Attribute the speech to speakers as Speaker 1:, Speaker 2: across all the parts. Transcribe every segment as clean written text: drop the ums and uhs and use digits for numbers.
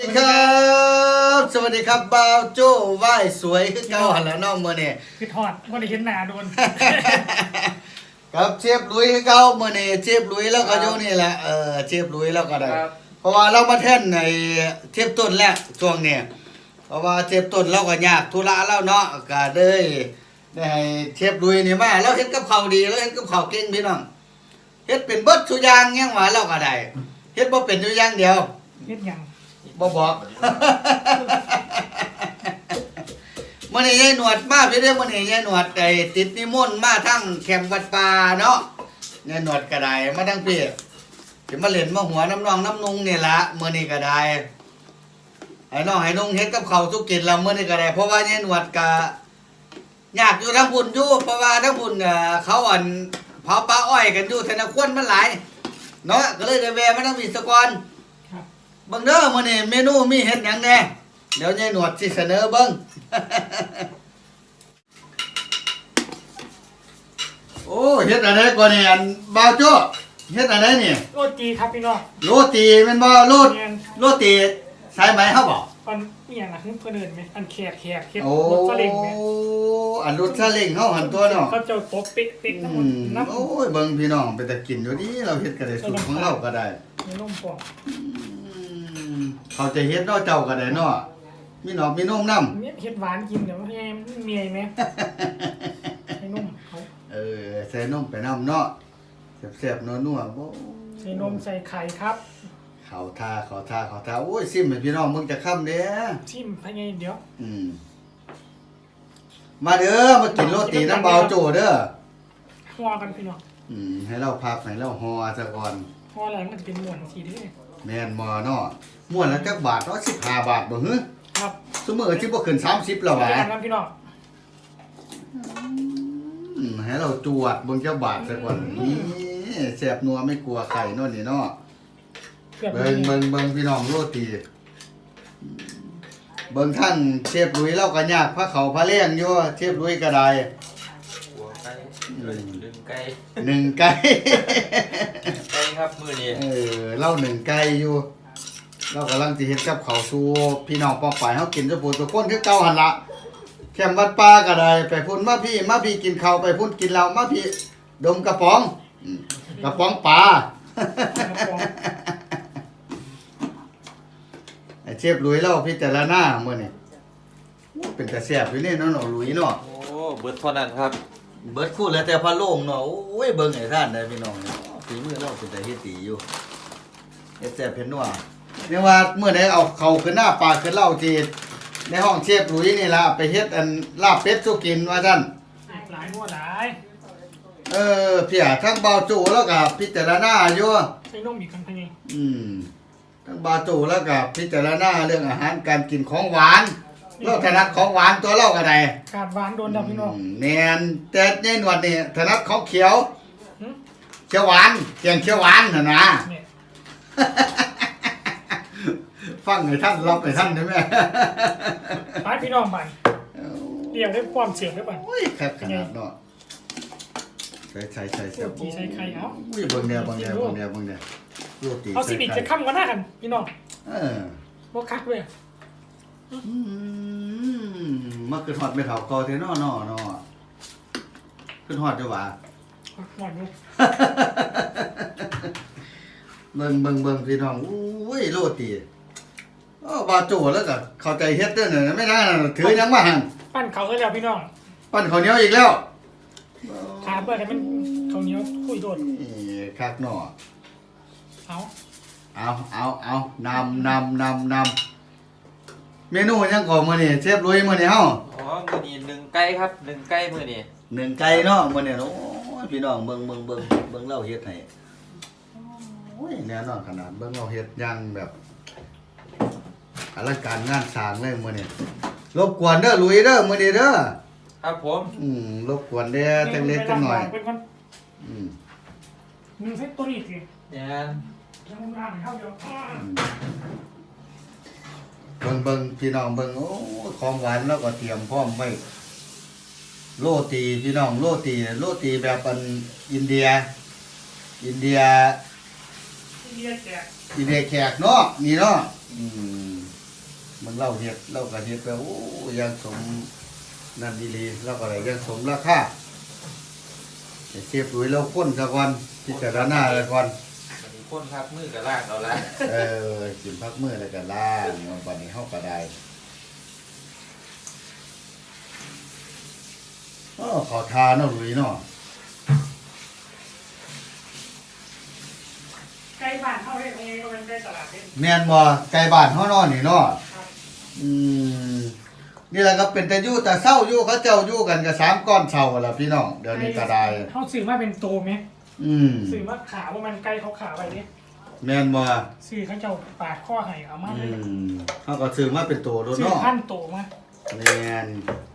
Speaker 1: สวัสดีครับสวัสดีครับบ่าวโจ้ไหว้สวยขึ้นเก่าหันแล้วน้องมื้อนี้
Speaker 2: คือถอดว่าได้เห็นหน้าโดน
Speaker 1: ครับเชฟลุยขึ้นเก่ามื้อนี้เชฟลุยแล้วก็อยู่นี่แหละเชฟลุยแล้วก็ได้เพราะว่าเรามาแท่นในเชฟต้นแล้วช่วงนี้เพราะว่าเชฟต้นเราก็ยากธุระแล้วเนาะก็เลยได้ให้เชฟลุยนี่มาเราเฮ็ดกับข้าวดีเราเฮ็ดกับข้าวเก่งพี่น้องเฮ็ดเป็นเบิดทุกอย่างยังว่าเราก็ได้เฮ็ดบ่เป็นอยู่อย่างเดียว
Speaker 2: เฮ็ดหยัง
Speaker 1: บ่บอกมื้อนี้ยายหนวดมาพี่เด้อมื้อนี้ยายหนวดได้ติดนิมนต์มาทั้งแคมป์วัดป่าเนาะยายหนวดก็ได้มาทั้งพี่สิมาเล่นมาหัวน้ำนองน้ำนุงนี่ล่ะมื้อนี้ก็ได้ให้น้องให้นุ่งเฮ็ดกับข้าวสุกินแล้วมื้อนี้ก็ได้เพราะว่ายายหนวดก็ยากอยู่ทั้งพุ่นอยู่เพราะว่าทั้งพุ่นเขาเผาปลาอ้อยกันอยู่ธนาคารมันหลายเนาะก็เลยได้แวะมาทั้งพี่ซะก่อนเบิ่งเด้อมื้อนี้เมนูมีเฮ็ดหยังแหน่เดี๋ยวยายหนวดสิเสนอเบิ่ง โอ้เฮ็ดอะไรก่อนนี่อันบ่าวโจ้เฮ็ดอะไรนี่
Speaker 2: โรตีครับพี่น้อง
Speaker 1: โรตีแม่นบ่โรตีสายไหมเฮาบ่
Speaker 2: อันอีหยังล่ะเพิ่นเอิ้นไหมอันแขกเฮ็ด
Speaker 1: โอ้
Speaker 2: รถซาเล้งแม่
Speaker 1: อันรถซาเล้งเฮาหันตัวเนาะ
Speaker 2: เขาเจ้าตบเป๊ะๆทั้งหมดน้ำ
Speaker 1: โอ้ยเบิ่งพี่น้องเป็นตากินอยู่ดีเราเฮ็ดก็ได้สูตรของเราก็ได้
Speaker 2: มีนมปอก
Speaker 1: เขาจะเฮ็ดเนาะเจ้าก็ได้เนาะมีหนอกมีนมนำ
Speaker 2: เฮ็ดหวานกินเดี๋ยวให้เมียไหมให้นมเขา
Speaker 1: ใส่นมไปนำเนาะแซ่บๆนัวๆบ่
Speaker 2: ใส่นมใส่ไข่ครับ
Speaker 1: เขาท่าโอ้ยซิมให้พี่น้องมึงจะค่ำเด้อ
Speaker 2: ชิมภายในเดี๋ยว
Speaker 1: มาเด้อมากินโรตีน้ำเบาโจเด้อ
Speaker 2: ห่อกันพี่น้อง
Speaker 1: ให้เราพักให้เราห่อซะก่อน
Speaker 2: ห่อแล้วมันจะเป็นม้วนทีเด้อ
Speaker 1: แม่นบ่เนาะม่วนละจักบาทเนาะ15 บาทบ่ฮึ
Speaker 2: ครับ
Speaker 1: ซุมื้อสิบ่ขึ้น30แล้วหวะ
Speaker 2: เจอกันครับพี่น้อง
Speaker 1: ให้เราจวดเบิ่งจักบาทซะก่อนนี่แซ่บนัวไม่กลัวไข่เนาะนี่เนาะ เบิ่งพี่น้องโรตีเบิ่งท่านเชฟลุยเราก็ยากพระเขาพระเลี้ยงอยู่เชฟลุยก็ได้
Speaker 3: หัวไก่ดึงไก่
Speaker 1: หนึ่งไก่
Speaker 3: ไก่ครับมือนี้
Speaker 1: เล่าหนึ่งไก่อยู่เรากำลังสิเฮ็ดกับข้าวสู่พี่น้องป้องไปเฮากินซุปูทุกคนคือเก่าหั่นล่ะแคมป์วัดป่าก็ได้ไปพุ่นมาพี่กินข้าวไปพุ่นกินเหล้ามาพี่ดมกระป๋องกระป๋องปลา ไอ้เชฟลุยเราพิจารณามื้อนี้เป็นตาแซ่บอยู่นี่เนาะลุยเนาะ
Speaker 3: โอ้เบิดเท่านั้นครับ
Speaker 1: เบิดคู่แล้วแต่พะโล่งเนาะโอ้ยเบิ่งให้ท่านได้พี่น้องฝีมือเราเป็นตาเฮ็ดดีอยู่เฮ็ดแซ่บเฮ็ดนัวเรียกว่ามื้อใดเอาเข้าขึ้นหน้าปากขึ้นเหล้าจีดในห้องเชฟลุยนี่ล่ะไปเฮ็ดอันลาบเป็ดสู่กินว่าซั่น
Speaker 2: หลายหัวหลาย
Speaker 1: เพียทั้งเบาโจแล้วก็พิจารณาอยู่
Speaker 2: ใส่นมอีกครั้งภายใน
Speaker 1: ทั้งบาโจแล้วก็พิจารณาเรื่องอาหารการกินของหวานเราถนัดของหวานตัวเราก็ได้
Speaker 2: ขาดหวานโดนดับพี่น้อง
Speaker 1: แม่นแต่ในหนวดนี่ถนัดของเขียว
Speaker 2: หึ
Speaker 1: เขียวหวานเกียงเขียวหวานน่ะนะ
Speaker 2: เนี่ย
Speaker 1: ฟังให้ท่านรับให้ท่านได้ไหม
Speaker 2: ไปพี่น้องบันเรียกได้ความเสียงได้บัน
Speaker 1: โอ้ยครับขนาดเนาะใส่
Speaker 2: โรตีใส่ไข่เอา
Speaker 1: อุ้ยเบิ่งแนวโรตี
Speaker 2: เอาสิบิจะค้ำกันหน้ากันพี่น้อง
Speaker 1: อ
Speaker 2: บ่คักเว้ย
Speaker 1: มาขึ้นฮอดไม่เฒ่าเก่าแท้เนาะขึ้นฮอดจ้ะว่า
Speaker 2: หมอนอยู่
Speaker 1: เบิ่งพี่น้องอุ้ยโรตีบาโจแล้วก็เข้าใจเฮ็ดเด้อน่ะไม่น่าถือหยังมาหั่น
Speaker 2: ปั้นเขาก็แล้วพี่น้อง
Speaker 1: ปั้นข้าวเหนียวอีกแล้ว
Speaker 2: ขาเปิดให้มันเขาวเหนียวคุยโดด
Speaker 1: นี่คักเนาะ
Speaker 2: เอา
Speaker 1: เอานำเมนูหยังก่อมื้อนี้เชฟลุยมื้อนี้เฮา
Speaker 3: อ๋อมือนี้หนึ่งไก่ครับหนึ่งไก่มือนี้
Speaker 1: หนึ่งไก่เนาะมื้อนี้โอ้ยพี่น้องเบิ่งเราเฮ็ดให้โอ้ยแน่นอนขนาดเบิ่งเราเฮ็ดอย่างแบบอลังการงานสร้างเลยมื้อนี้รบกวนเด้อลุยเด้อมื้อนี้เด้อ
Speaker 3: ครับผม
Speaker 1: รบกวนเด้อจังเล็กจังหน่อย
Speaker 2: เป็นคนหนึ่งเซตตัวนี้สิ
Speaker 3: เนี่ย
Speaker 2: ยังมึงอ่านเข้าเดียว
Speaker 1: เบิ่งพี่น้องเบิ่งโอ้ของหวานแล้วก็เตรียมพร้อมไว้โรตีพี่น้องโรตีแบบอันอินเดีย
Speaker 2: ที่เรียกแจก
Speaker 1: แขกเนาะนี่เนาะมันเล่าเฮ็ดเล่าก็เฮ็ดไปโอ้ยังสมนั่นดีๆเราก็ได้ยังสมราคาไอ้เสียบปุ๋ยเราค้นซะก่อนพิจารณาซะก่อน
Speaker 3: วันนี้คนพักมือกับลากเอาละ
Speaker 1: กินพักมื้อแล้วก็ล้างวันนี้เฮาก็ได้ขอทานเนาะลุยเนาะ
Speaker 2: ใกล้บ้านเข้าได้เองก็เป็นใกล้ตลาดเอง
Speaker 1: แม่นบ่ไกลบ้านเฮาเนาะนี่เนาะ
Speaker 2: ครับ
Speaker 1: อืมนี่แหละก็เป็นแต่อยู่แต่เศร้าอยู่เขาเจ้าอยู่กันก็3ก้อนเศร้าล่ะพี่น้องเดี๋ยวนี้ก็ได้
Speaker 2: เขาซื้อมาเป็นโตไหม
Speaker 1: อืม
Speaker 2: ซื้อมาขาว่ามันไกลเขาขาไปนี่
Speaker 1: แม่นบ่
Speaker 2: ซื้อเขาเจ้าปาดข้อให้เอามา
Speaker 1: อื
Speaker 2: เลย
Speaker 1: มเฮาก็ซื้อมาเป็นตัวโดน
Speaker 2: ซื้อ
Speaker 1: เนาะ
Speaker 2: พันโตมา
Speaker 1: แม่น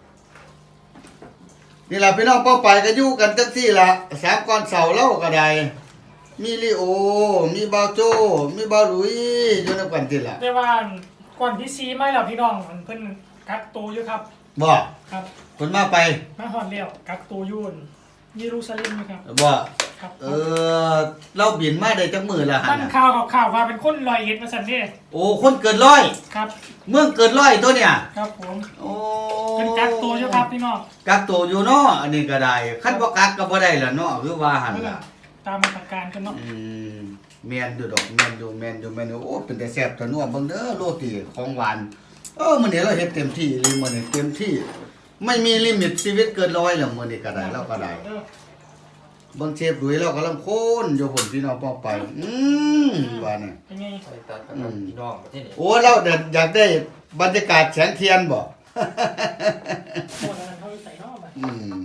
Speaker 1: นี่ล่ะพี่น้องเป้าไปก็อยู่กันจังซี่ล่ะ3ก้อนเศร้าเล่าก็ได้มีลิโอมีเบาโจมีเบาหลุยอยู่นำกันติล่ะ
Speaker 2: แต่ว่าก่อนที่ซีไม่หรอพี่น้องมันเพิ่นกักโตอยู่ครับ
Speaker 1: บ่
Speaker 2: ครับ
Speaker 1: คนมาไป
Speaker 2: มาฮอดแล้วกักโตอยู่เยรูซาเล็มอยู่ครับ
Speaker 1: บ่
Speaker 2: ครับ
Speaker 1: เราบินมาได้จักมื้อละหั่
Speaker 2: มัน น
Speaker 1: น่ะ
Speaker 2: ข่าวว่าเป็นคนลอยเอ็ดมาสั่นนี่
Speaker 1: โอ้คนเกินร้อย
Speaker 2: ครับ
Speaker 1: เมืองเกินร้อยตัวเนี่ย
Speaker 2: ครับผม
Speaker 1: โอ้
Speaker 2: เป็นกักโตอยู่ครับพี่น้อง
Speaker 1: กักตัวอยู่เนาะอันนี้ก็ได้คันบ่กักก็บ่ได้ล่ะเนาะคือว่าหั่น
Speaker 2: นั่น
Speaker 1: ล่ะ
Speaker 2: น่ะตามมาตรการกันเนาะ
Speaker 1: แม่นอยู่ดอกแม่นอยู่โอ้เป็นแต่แซ่บแต่นัวเบิ่งเด้อโรตีของหวานมื้อนี้เราเฮ็ดเต็มที่เลยมื้อนี้เต็มที่ ไม่มีลิมิตชีวิตเกินร้อยแล้วมื้อนี้ก็ได้เราก็ได้เบิ่งเชฟดุยเรากำลังโคนอยู่พุ่นพี่น้องป้องไปว่านี่
Speaker 2: เป็นไง
Speaker 3: ไปตัดกับพี่น้องที่นี่
Speaker 1: โอ้เราอยากได้บรรยากาศแสงเทียนบ่
Speaker 2: โคตรนั้นเขาใส่นอกแบบ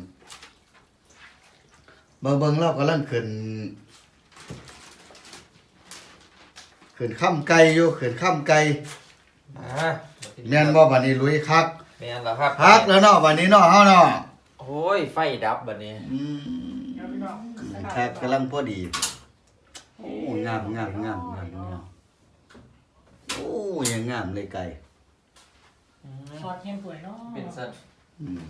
Speaker 1: เบิ่งเรากำลังขึ้นข้ามไก่อยู่ขึ้นข้ามไก่ แม่นบ่บัดนี้ลุยคัก
Speaker 3: แม่นแล้วครับ
Speaker 1: คักแล้วเนาะบัดนี้เนาะเฮาเนาะ
Speaker 3: โอ้ยไฟดับบัดนี้
Speaker 2: ครับพี่น้อง
Speaker 1: คักกำลังพอดีโอ้งามโอ้ยังงามเลยไก่
Speaker 2: ซอสเค็มสวยเนาะ
Speaker 3: เป็นสัน
Speaker 1: อืม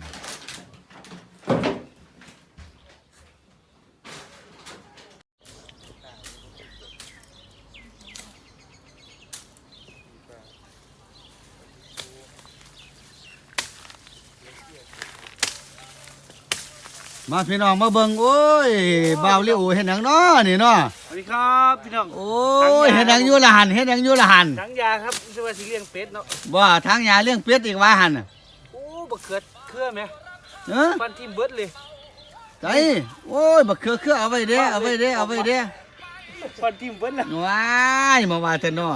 Speaker 1: มาพี่น้องมาเบิ่งโอ้ยบ่าวลิโอเฮ็ดหยังเนาะนี่เนาะ
Speaker 4: สวัสดีครับพี่น้อง
Speaker 1: โอ้ยเฮ็ดหยังอยู่ละหันเฮ็ดหยังอยู่ละหัน
Speaker 4: ทั้งยาครับสวัสดีเลี้ยงเป็ดเนาะ
Speaker 1: ว่าทางยาเลี้ยงเป็ดอีกว่าหันน่ะ
Speaker 4: โอ้บักเขือเครือไหม
Speaker 1: เอ้อ
Speaker 4: ฟันทิมเบิดเลย
Speaker 1: ใจโอ้ยบักเคือเอาไว้เด้เอาไว้เด้เอาไว้เด้
Speaker 4: ฟันทิมเบิดละ
Speaker 1: ว้ายมาว่าแต่น้อ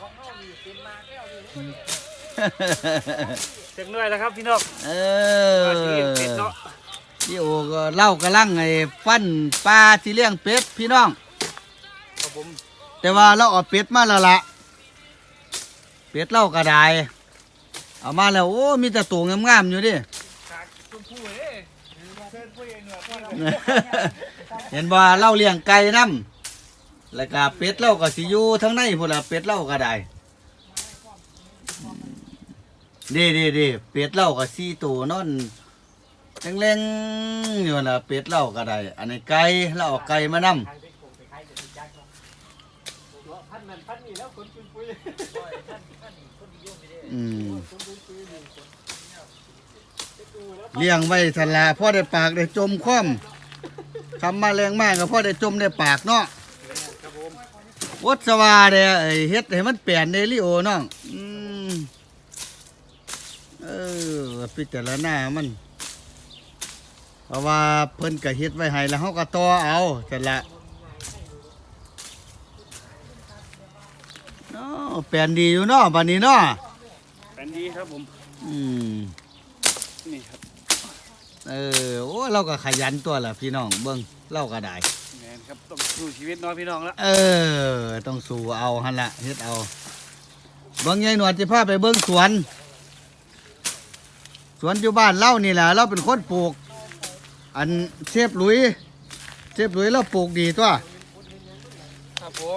Speaker 4: จักหน่อยแล้วครับพี่น้อง
Speaker 1: เอ
Speaker 4: สวัสดีเลี้ยงเป็ด
Speaker 1: อ
Speaker 4: เนาะ
Speaker 1: พี่โอก็เล่ากำลังไอ้ฟันปลาที่เลี้ยงเป็ดพี่น้อง
Speaker 4: ครับผม
Speaker 1: แต่ว่าเราเอาเป็ดมาแล้วละเป็ดเล่าก็ได้เอามาแล้วโอ้มีแต่ตัวงามๆอยู่ดิ
Speaker 4: ขาดชมพู่เอ้เชิญผู้เองเหนือพ่อเรา
Speaker 1: เห็นบ่เล่าเลี้ยงไก่น้ำแล้วก็เป็ดเล่าก็สิอยู่ทั้งในพุ่นละเป็ดเล่าก็ได้ดีเป็ดเล่าก็4ตัวนอนแรงๆอยู่น่ะเป็ดเล่าก็ได้อันนี้ไก่เราเอาไก่มานำ
Speaker 4: พันนั้นพันนี้แล้วคนปุยปุย
Speaker 1: เลี้ยงไว้สละพ่อได้ปากได้จมคว่ำคำมาแรงมากก็พ่อได้จมได้ปากเนาะ
Speaker 4: ครับผม
Speaker 1: วัดสวาเด้ไอ้เฮ็ดให้มันเปลี่ยนเดลิโอน้องพิจารณามันเพราะว่าเพิ่นก็เฮ็ดไว้ให้แล้วเฮาก็ต่อเอาสละเนาะเปลี่ยนดีอยู่เนาะบัดนี้เนาะ
Speaker 4: เป็นดีครับผม นี่ครับ
Speaker 1: โอ้เราก็ขยันตัวล่ะพี่น้องเบิ่งเราก็ได้
Speaker 4: แมนครับต้องสู้ชีวิตเนาะพี่น้องละ
Speaker 1: ต้องสู้เอาหั่นละเฮ็ดเอาเบิ่งยายหนวดสิพาไปเบิ่งสวน สวนอยู่บ้านเล่านี่แหละเราเป็นคนปลูก อันเชฟหลุยเราปลูกดีตัว
Speaker 3: ครับผม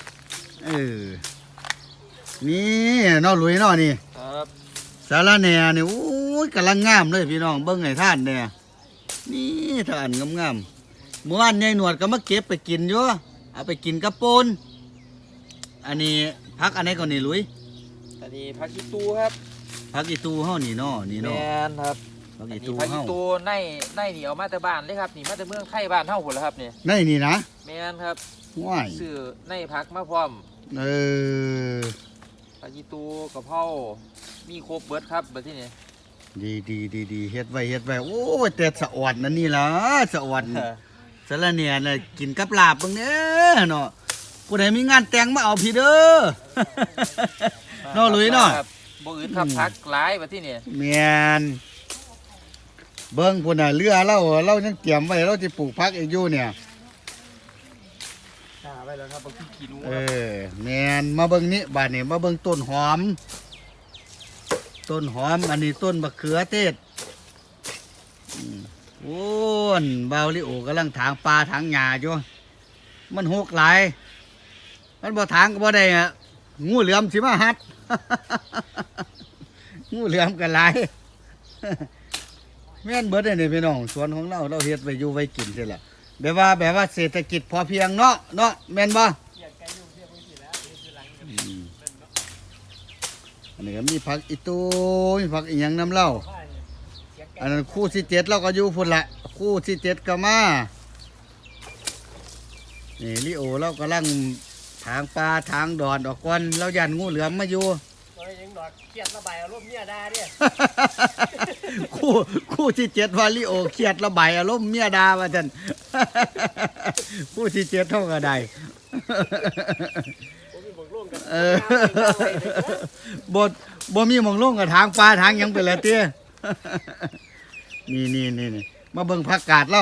Speaker 1: นี่เนาะหลุยเนาะนี่
Speaker 3: ครับ
Speaker 1: สาระแหน่นี่โอ้ยกำลังงามเลยพี่น้องเบิ่งให้ท่านเนี่ยนี่ท่านงามๆเมื่อวานยายหนวดก็มาเก็บไปกินอยู่เอาไปกินกับปูนอันนี้พักอันไหนก่อนนี่หลุย
Speaker 3: อันนี้ผักอีตูครับ
Speaker 1: ผักอีตูเฮานี่เนาะนี่
Speaker 3: แม
Speaker 1: เนาะ
Speaker 3: นครับ
Speaker 1: ผัก
Speaker 3: อั
Speaker 1: อี
Speaker 3: นนี้
Speaker 1: ตู
Speaker 3: ผักอี
Speaker 1: เฮา
Speaker 3: ตูในนี่เอามาแต่บ้านเลยครับนี่มาแต่เมืองไทยบ้านเฮาหมดแล้วครับนี่
Speaker 1: ในนี่นะ
Speaker 3: แมนครับ
Speaker 1: ว้าย
Speaker 3: ซื้อในผักมาพร้อม
Speaker 1: เออ
Speaker 3: ผักอีตูกะเพรามีครบเบิดครับแบบที่นี่
Speaker 1: ดีเฮ็ดไว้โอ้ยแต่สะอ่อนนั่นนี่ล่ะสะอ่อนสะละเนี่ยน่ะกินกับลาบเบิ่งเด้อเนาะผู้ใดมีงานแต่งมาเอาพี่เด้อ เนาะลุยเนาะ
Speaker 3: ครับบ่อื่นครับผักหลายแบบที่นี่
Speaker 1: แม่นเบิ่งพุ่นน่ะเรือเรายังเตรียมไว้เราสิปลูกผักอีกอยู่เนี่ย
Speaker 3: ไว้แล้วครับบ่ขี้ขี้หนู
Speaker 1: เออแม่นมาเบิ่งนี้บาดนี้มาเบิ่งต้นหอม ต้นหอมอันนี้ต้นมะเขือเทศโอ้นบาวลิโอกำลังถางปลาถางหญ้าอยู่มันหกหลายมันบ่ถางก็บ่ได้อะงูเหลือมสิมาหัด งูเหลือมกันหลาย แม่นเบิดเลยนี่พี่น้องสวนของเราเฮ็ดไว้อยู่ไว้กินใช่ล่ะแบบว่าเศรษฐกิจพอเพียงเนาะแม่นบ่อันนี้ก็มีผักอีตูมีผักอีหยังน้ำเหล้าอันนั้นคู่ที่7เราก็อยู่พุ่นละคู่ที่7ก็มานี่ลิโอเรากำลังถางปลาถางดอนออกก่อนเรายันงูเหลือมมาอยู่
Speaker 2: ยังดอกเครียดระบายอารมณ์เมียด่าเนี่ย
Speaker 1: คู่ที่7ว่าลิโอเครียดระบายอารมณ์เมียดาว่าซั่น คู่ที่7เท่าก็ได้
Speaker 2: ผมมีบอกร่วมกัน
Speaker 1: เออ บ่มีหม่องลงกับทางปลาทางหยังไปแล้วเตี้ย นี่มาเบิ่งผักกาดเรา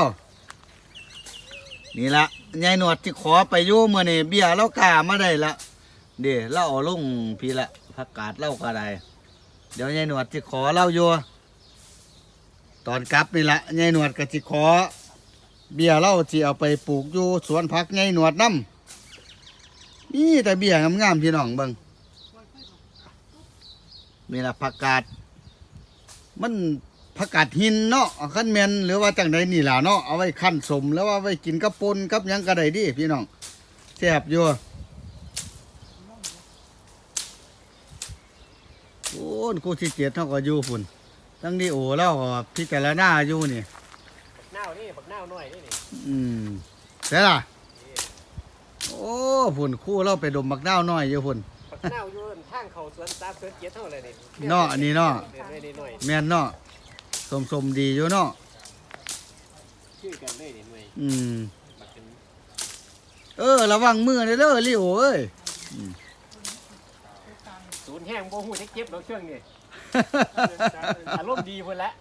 Speaker 1: นี่ละยายหนวดที่ขอไปอยู่มื้อนี้เบี้ยเรากล้ามาได้ละเด้เราเอาลงพี่ละผักกาดเราก็ได้เดี๋ยวยายหนวดที่ขอเราอยู่ตอนกลับนี่ละยายหนวดก็สิขอเบี้ยเราสิเอาไปปลูกอยู่สวนผักยายหนวดนำนี่แต่เบี้ยงามๆพี่น้องเบิ่งนี่ละผักกาดมันผักกาดหินเนาะขั้นแมนหรือว่าจังใดนี่ล่ะเนาะเอาไว้ขั้นสมแล้วว่าไว้กินกับปนกับหยังก็ได้ดิพี่น้องแซ่บอยู่โอ้ยกูที่7เท่าก็อยู่พุ่นทั้งนี้โอ้เราก็พิจารณาอยู่นี่
Speaker 2: หน้านี่บักหน้าหน่อยนี่
Speaker 1: ใช่ล่ะโอ้พุ่นคู่เราไปดมบักดาวน้อยอยู่พุ่น
Speaker 2: บักหน้าอยู่ทางเขาสวนตาสวนเกียรเท่าไรนี่
Speaker 1: เนาะอันนี้เนาะ
Speaker 2: หน่อย
Speaker 1: แม่นเนาะสมดีอยู่เนาะ
Speaker 2: ชื่อกันเลยนี่หน่อย
Speaker 1: ระวังมือเด้อลิโอเอ้ย
Speaker 2: ศูนย์แห้งโบหูเจ็บเราเชื่องนี่อารมณ์ดีพุ่นละ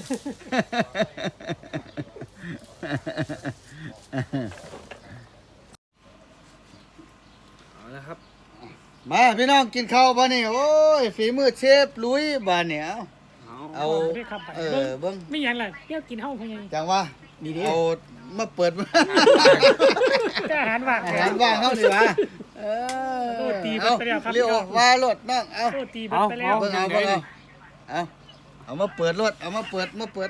Speaker 3: เอาละครับ
Speaker 1: มาพี่น้องกินข้าวบ้านี่โอ้ยฝีมือเชฟลุยบ้านเนี่ยเอา
Speaker 2: ได้ครับ
Speaker 1: เบิ้ง
Speaker 2: ไม่ยังไรเที่ยวกินห้องเขาไง
Speaker 1: จังว่าเอามาเปิด
Speaker 2: ก็อาหารว่าง
Speaker 1: อาหารว่างเข้าดีวะเอาเรียวว่ารถน้องเอา
Speaker 2: โทษตีไปแล้ว
Speaker 1: เบิ้งเอามาเปิดรถเอามาเปิดเอาเปิด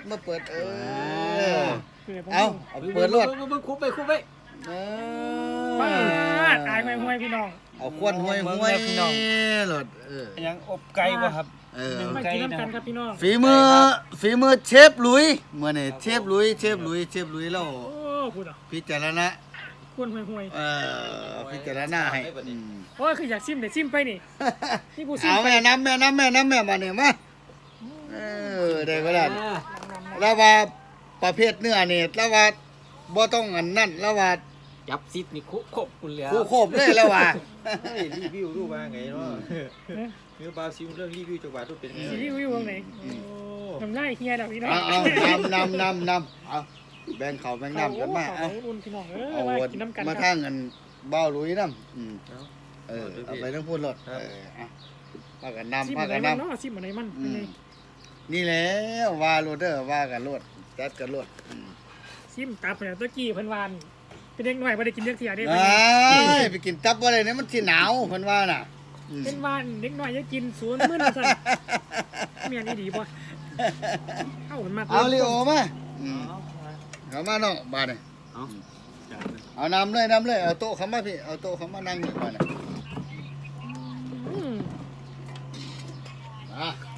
Speaker 1: รถ
Speaker 3: มึงคุบไป
Speaker 2: ป้าตายห่วยพี่น้อง
Speaker 1: เอาควนห้วยพี่น้องรถ
Speaker 3: ยังอบไก่บ่ครับ
Speaker 2: มากินน้ำกันครับพี่น้อง
Speaker 1: ฝีมือเชฟลุยเมื่อนี่เชฟลุยแล้ว
Speaker 2: โอ้พูดอ่ะ
Speaker 1: พิจารณา
Speaker 2: ควนห่วย
Speaker 1: พิจารณาให้
Speaker 2: โอ้ยคืออยากซิมเดี๋ยวซิมไปนี่นี่กูซิม
Speaker 1: เอา
Speaker 2: ไป
Speaker 1: แม่น้ำมาเนี่ยมาได้ก็ได้แล้วว่าประเภทเนื้อนี่แล้วว่าบ่ต้องอันนั่นแล้วว่า
Speaker 3: จับซิดนี่คุบคุณแล้ว
Speaker 1: คู่โคบเลยแล้วว่า
Speaker 3: รีวิวรู้ว่าไงเนาะคือบาซิลเรื่องรีวิวจังหวัดทุกเป็นไง
Speaker 2: ซีรีส์วิววงไหนทำไรเฮียดอกพี่น้อง
Speaker 1: เอาเอาแบ่งเขาแบ่งน้ำกันมาเอา
Speaker 2: อุ่นพี่น้อง
Speaker 1: เอา
Speaker 2: มากินน้ำกัน
Speaker 1: มาทางเงินเบ้าลุยน้ำเอาไปต้องพูดรถพากันนำ
Speaker 2: ซิม
Speaker 1: พา
Speaker 2: อะไร
Speaker 1: กัน
Speaker 2: มัน
Speaker 1: นำ
Speaker 2: เนาะซิมอะไรมัน
Speaker 1: นี่แหละว่าโรดเดอร์ว่ากันโรดจัดกันโรด
Speaker 2: ซิมตับเนี่ยตะกี้เพิ่นวานเป็นเด็กหน่อยไม่ได้กินเยอะเสียได้
Speaker 1: ไปกินตับอะไรเนี่ยมันที่หนาวเพิ่นว่าน่ะ
Speaker 2: เป็นวานเด็กหน่อยจะกินศูนย์มื้อละสั่นเมียนี่ดีป่ะเอามันมา
Speaker 1: เอาลิโอมาเขามาเนาะบ้านนี่เอานำเลยเอาโต๊ะเขามาพี่เอาโต๊ะเขามานั่งนี่บ้านนี่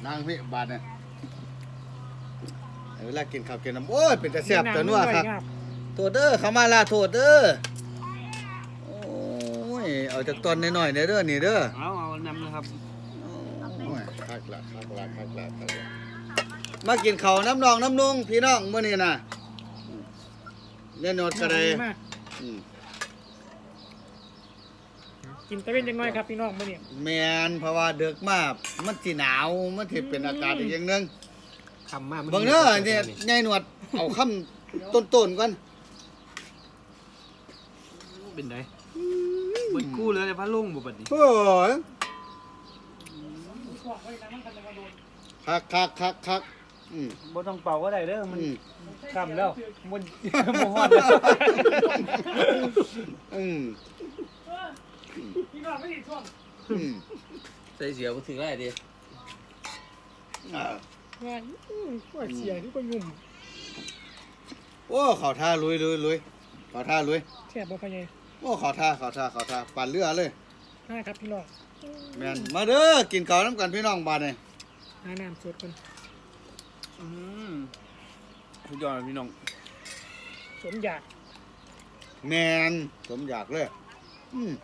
Speaker 1: นางพี่บาดเนี่ยเวลากินข้าวกินน้ำโอ้ยเป็นแต่แซ่บแต่นัวครับโทษเด้อเขามาลาโทษเด้อโอ้ยเอาจากตอนน้อยๆเด้อนี่เด้อ
Speaker 4: เอานำนะครับ
Speaker 1: โอ้ยคักละมากินข้าวน้ำนองน้ำนุ่งพี่น้องมื้อนี้น่ะเล่นโนดกระไดอืม
Speaker 2: กินตะเวนยังไงครับพี่น้องมื้อนี้
Speaker 1: แม่นเพราะว่าเดึกมากมันสิหนาวมันสิเป็นอากาศอีกอย่างหนึง
Speaker 3: คำมาก
Speaker 1: เบิ่งเด้อเนี่ยยายหนวดเอาคำต้นๆก่อน
Speaker 4: เป็นไงเบิดกู้เลยพัดลงบ่บัดนี้
Speaker 1: โอ้ยคักอืม
Speaker 4: บ่ต้องเป่าก็ได้เด้อมัน
Speaker 1: อืม
Speaker 4: ค่ำแล้วมันบ่ฮอดแล้ว
Speaker 1: อืม
Speaker 2: พี่น้องไม่ได้ช่วง
Speaker 1: อืม
Speaker 3: ใส่เสียบ่ถึงได้ดิ
Speaker 1: อ่าง
Speaker 2: านก็เสียนี่ก็ยุ่ม
Speaker 1: โอ้เขาท่าลุยเขาท่าลุย
Speaker 2: แซ่บบ่พะไง
Speaker 1: โอ้เขาท่าปั่นเรือเลย
Speaker 2: ครับพี่น้อง
Speaker 1: แม่นมาเด้อกินข้าวน้ำกันพี่น้องบ้านนี่
Speaker 2: หาน้ำสดกัน
Speaker 4: สุดยอดพี่น้อง
Speaker 2: สมอยาก
Speaker 1: แม่นสมอยากเลยอืม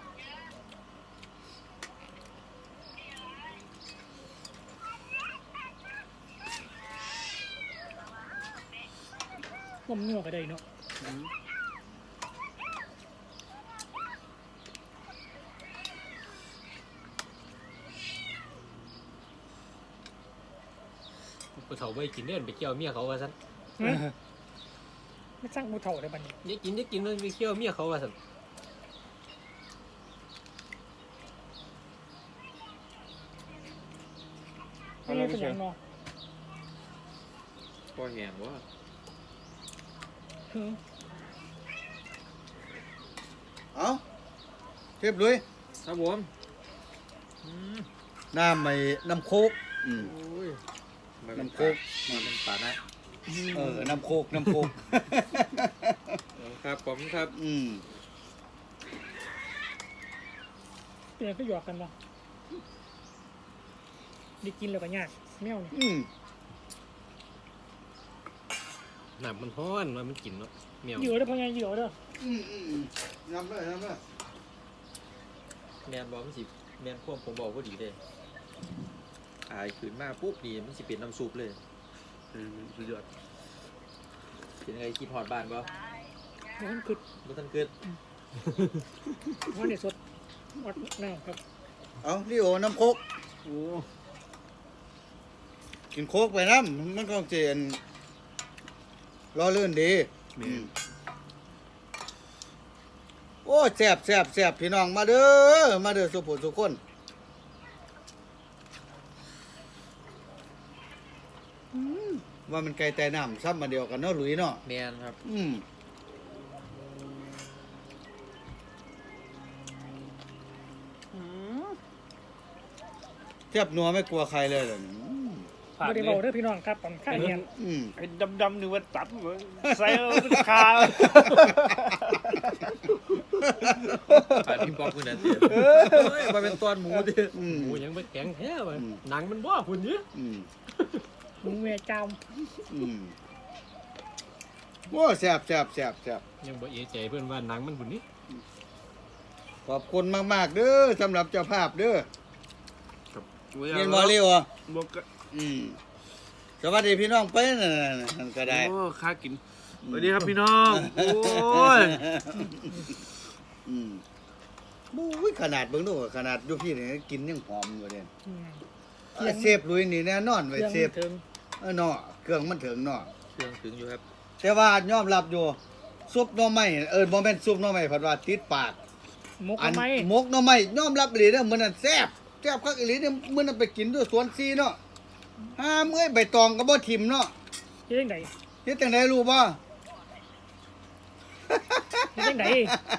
Speaker 2: ต้มเนื้อก็ได้เนาะ
Speaker 3: ผู้เฒ่าบ่ได้กินเด้อไปเกี่ยวเมียเขาว่าซั่น
Speaker 2: ไม่สร้างหมูเถ่าได้บัดนี้
Speaker 3: อย่ากินเลยไปเกี่ยวเมียเขาว่าซั่น
Speaker 2: ไม่ได้เป็นอย่างเนาะ
Speaker 3: พอแห้งบ่
Speaker 2: หือ
Speaker 1: เอาเทียบลุย
Speaker 3: ครับผม
Speaker 1: น้ำไม่น้ำโคกอืม
Speaker 3: โอ้ย
Speaker 1: น้ำโคก
Speaker 3: มันป่านะ
Speaker 1: น้ำโคก
Speaker 3: ครับผมครับ
Speaker 1: อืม
Speaker 2: เปลี่ยนก็หยอกกันเนาะได้กินแล้วก็ยากแมวนี่
Speaker 1: อืม
Speaker 3: น้ำมันร้อนมันกินเนาะเมียว
Speaker 2: เหยื่อเด้อพะไงเหยื่อเด้อ
Speaker 1: น้ำเลย
Speaker 3: แม่นบ่มันสิแม่นควบผมบอกบ่ดีเด้อายขึ้นมาปุ๊บนี่มันสิเป็นน้ำซุปเลยสุดยอดเป็นไงคิดฮอดบ้านบ่
Speaker 2: มันคือ
Speaker 3: บ่ทันเกิด
Speaker 2: มันเนี่ยสดวัดน้ำครับ
Speaker 1: เอาดิโอน้ำโคก
Speaker 4: โอ้
Speaker 1: กินโคกไปน้ำมันก็เจนรอเลื่อนดีอืมโอ้แซ่บพี่น้องมาเด้อสุผู้สุคนว่ามันไก่แต่น้ำซ้ำมาเดียวกันเนาะหลุยเนาะ
Speaker 3: แม่นครับ
Speaker 1: อืมเทียบนัวไม่กลัวใครเลยเหรอ
Speaker 4: ผ่าน
Speaker 2: ไม่ได้
Speaker 4: เล
Speaker 2: เบาย เด้อพี่น้องครับผมข้างเฮียน
Speaker 1: อืม
Speaker 4: ไอ้ดำๆนึกว่าตับเหมือนใส่เอาคา
Speaker 3: ผ่านพี่ป๊อกมื้อนั้นเด้อเฮ้ยบ่เป็นตอนหมูเด้อ
Speaker 1: อืม
Speaker 3: หมูยังบ่แข็งแท้ว่ะหนังมันบ่พุ่นนี่
Speaker 1: อืม
Speaker 2: หมูแม่จาม
Speaker 1: อืมโอ้แซ่บ
Speaker 3: ยังบ่เอะใจเพิ่นว่าหนังมันพุ่นนี่
Speaker 1: ขอบคุณมากๆเด้อสำหรับเจ้าภาพเด้อ
Speaker 4: เรี
Speaker 1: เรียนบอลเรียวอ่ะ
Speaker 4: บก
Speaker 1: อืมสวัสดีพี่น้องไปนั่นก็ได้
Speaker 4: โอ้ค่ากินสวัสดีครับพี่น้องโอ้ย
Speaker 1: อืมบู้ยขนาดเบิ่งดูขนาดอยู่พี่นี่กินยังหอมอยู่เด้
Speaker 2: อืม
Speaker 1: เซฟลุยนี่แน่นอนไว้
Speaker 2: เครื่อง
Speaker 1: เซฟ
Speaker 2: ถึง
Speaker 1: เนาะเครื่องมันถึงเนาะ
Speaker 3: เครื่องถึงอยู่ครับ
Speaker 1: แต่ว่ายอมรับอยู่ซุปหน่อไม้บ่แม่นซุปหน่อไม้เพิ่นว่าติดปาก
Speaker 2: หมก
Speaker 1: อัน
Speaker 2: ทำไม
Speaker 1: หมกหน่อไม้ยอมรับอีหลีเด้อมื้อนั้นแซ่บคักอีหลีเด้อมื้อนั้นไปกินด้วยสวนซีเนาะห้ามเอ้ยใบตองก็บ่ทิ่มเนาะ
Speaker 2: เฮ็ดจังได
Speaker 1: เฮ็ดจังไดรู้บ่
Speaker 2: เฮ็ดจังได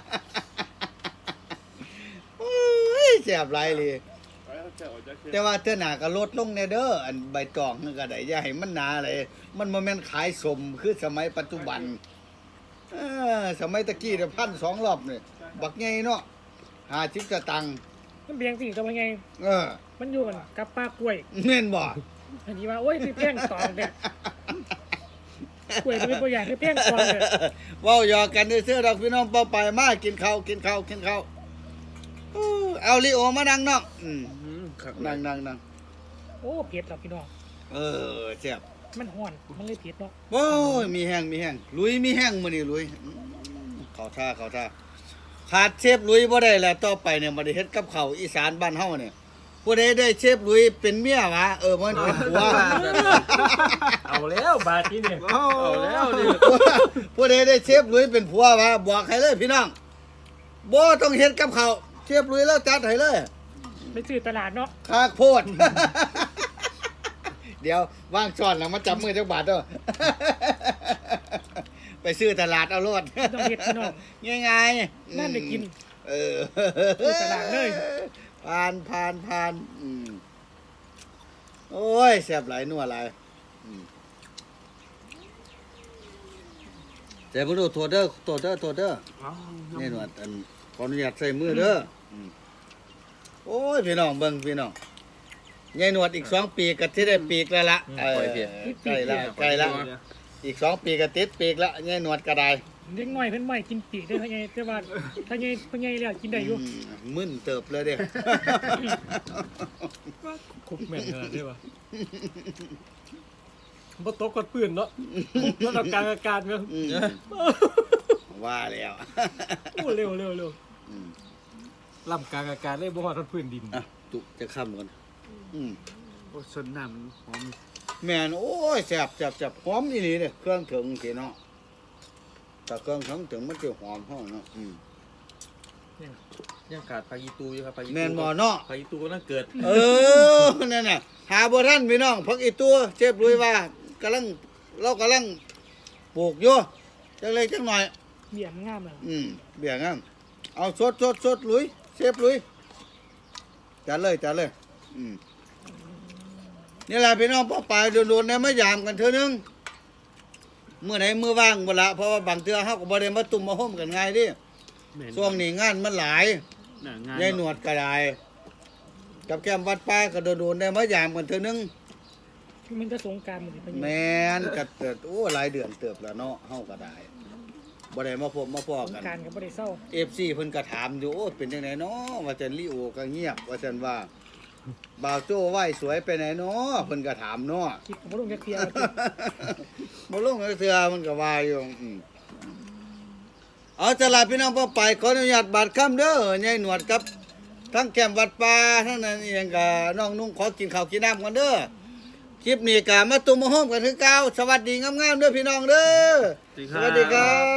Speaker 1: โอ้ยแซ่บหลายเลยแต่ว่าเทื่อหน้าก็ลดลงแน่เด้ออันใบตองนั่นก็ได้อย่าให้มันหนาเลยมันบ่แม่นขายสมคือสมัยปัจจุบันสมัยตะกี้เนี่ย1,200รอบนี่บักใหญ่เนาะ50สตังค์
Speaker 2: มันเบียงสิตัวพะไง
Speaker 1: เออ
Speaker 2: มันอยู่กันกับปลากล้วย
Speaker 1: แม่นบ่
Speaker 2: อันนี้ว่าโอ้ยคือเพ่งตองเนี่ยกล้วยเป็นตัวอย่างคือเพ่งตองเนี่ย
Speaker 1: เว้าหยอกกันซื่อๆดอกพี่น้องเป้าไปมากินข้าวเอาลิโอมานั่งเนาะนั่ง
Speaker 2: โอ้เผ็ดหรอกพี่น้อง
Speaker 1: แซ่บ
Speaker 2: มันห่อนมันเลยเผ็ดเนาะ
Speaker 1: โอ้ยมีแห้งลุยมีแห้งมื้อนี้ลุยเข้าท่าขาดเชฟลุยบ่ได้แล้วต่อไปเนี่ยบ่ได้เฮ็ดกับข้าวอีสานบ้านเฮาเนี่ยผู้ใดได้เชฟลุยเป็นเมียวะมันเป็นผัว
Speaker 2: เอาแล้วบาทนี้เนี่ย
Speaker 3: เอาแล้วนี่
Speaker 1: ผู้ใดได้เชฟลุยเป็นผัววะบอกให้เลยพี่น้องบ่ต้องเฮ็ดกับข้าวเชฟลุยแล้วจัดให้เลย
Speaker 2: ไปซื้อตลาดเนาะ
Speaker 1: คากโพด เดี๋ยวว่างช้อนแล้วมาจับมือจักบาทเด้อ ไปซื้อตลาดเอาโลด
Speaker 2: ต้องเฮ็ดพี่น้อง
Speaker 1: ง่ายๆ
Speaker 2: นั่นได้กิน
Speaker 1: ซื้
Speaker 2: อตลาดเลย
Speaker 1: ผ่านโอ้ยแซ่บหลายนัวหลายแต่บ่รู้โทษเด้อนี่หนวดอันขออนุญาตใส่มือเด้อโอ้ยพี่น้องเบิ่งพี่น้องยายหนวดอีก2 ปีก็สิได้ปีกแล้วล่ะใกล้ละอีก2 ปีก็ติดปีกละยายหนวดก็ได้
Speaker 2: เด็กน้อยเพิ่นไม่กินปีกได้ถ้าไงแต่ว่าถ้าไงเพิ่นไงแล้วกินได้อยู่
Speaker 1: มึนเติบเลยเด้
Speaker 4: คุกแม่นขนาดนี้วะบ่ตกกดปืนเนาะแล้วเรากลางอากาศเนาะ
Speaker 1: ว่าแล้ว
Speaker 4: โอ้เร็วล่ำกลางอากาศเลยบ่ฮอดพื้นดิน
Speaker 1: อ่ะตุจะค้ำก่อน
Speaker 4: โอ้ชนน้ำหอม
Speaker 1: แม่นโอ้ยแซ่บหอมอีหลีเด้เครื่องถึงสิเนาะแต่เครื่องถึงมันจะหอมห้องเนาะ
Speaker 3: ยังขาดพายิตูอยู่ครับพายิตู
Speaker 1: แม่นบ่เนาะ
Speaker 3: พายิตูก็น่าเกิด
Speaker 1: นั่นน่ะหาบ่ทันพี่น้องพักอีตัวเชฟลุยว่ากำลังปลูกอยู่จังเล็กจังหน่อย
Speaker 2: เบี่ยงงามเลย
Speaker 1: เบี่ยงอ่ะเอาสดลุยเชฟลุยจัดเลยนี่แหละพี่น้องป้าปลายโดนๆเนี่ยมายามกันเทื่อนึงเมื่อไหนมือว่างบ่ละเพราะว่าบางเทื่อเฮาก็บ่ได้มาตุ่มมาห่มกันง่ายดิช่วงนี้งานมันหลายยายหนวดก็ได้กับแก้มวัดป้าก็โดนๆได้มายามกันเทื่อนึง
Speaker 2: มันจะสงกรารหมดเลย
Speaker 1: แม่นก็เติบโอ้หลายเดือนเติบแล้วเนาะเฮาก็ได้บ่ได้มาพบมาพ้อ
Speaker 2: สง
Speaker 1: กัน
Speaker 2: กรารก็บ่ได้เศร้า
Speaker 1: FC เพิ่นก็ถามอยู่โอ้เป็นจังไดเนาะว่าจันลิโอก็เงียบว่าจันว่าบ่าวโจ้ไหว้สวยไปไหนเนาะเพิ่นก็ถามเนาะ
Speaker 2: คิดบ่ลงจักเที่ยว
Speaker 1: บ่ลงเทื่อมันก็ว่าอยู่เอาจะลาพี่น้องพ่อไปขออนุญาตบาดค่ำเด้อยายหนวดกับทั้งแก้มวัดป่าทั้งนั้นอีหยังก็น้องนุ่งขอกินข้าวกินน้ำกันเด้อคลิปนี้ก็มาตุ่มมาห้อมกันคือเก่าสวัสดีงามๆเด้อพี่น้องเด้อสวัสดีครับ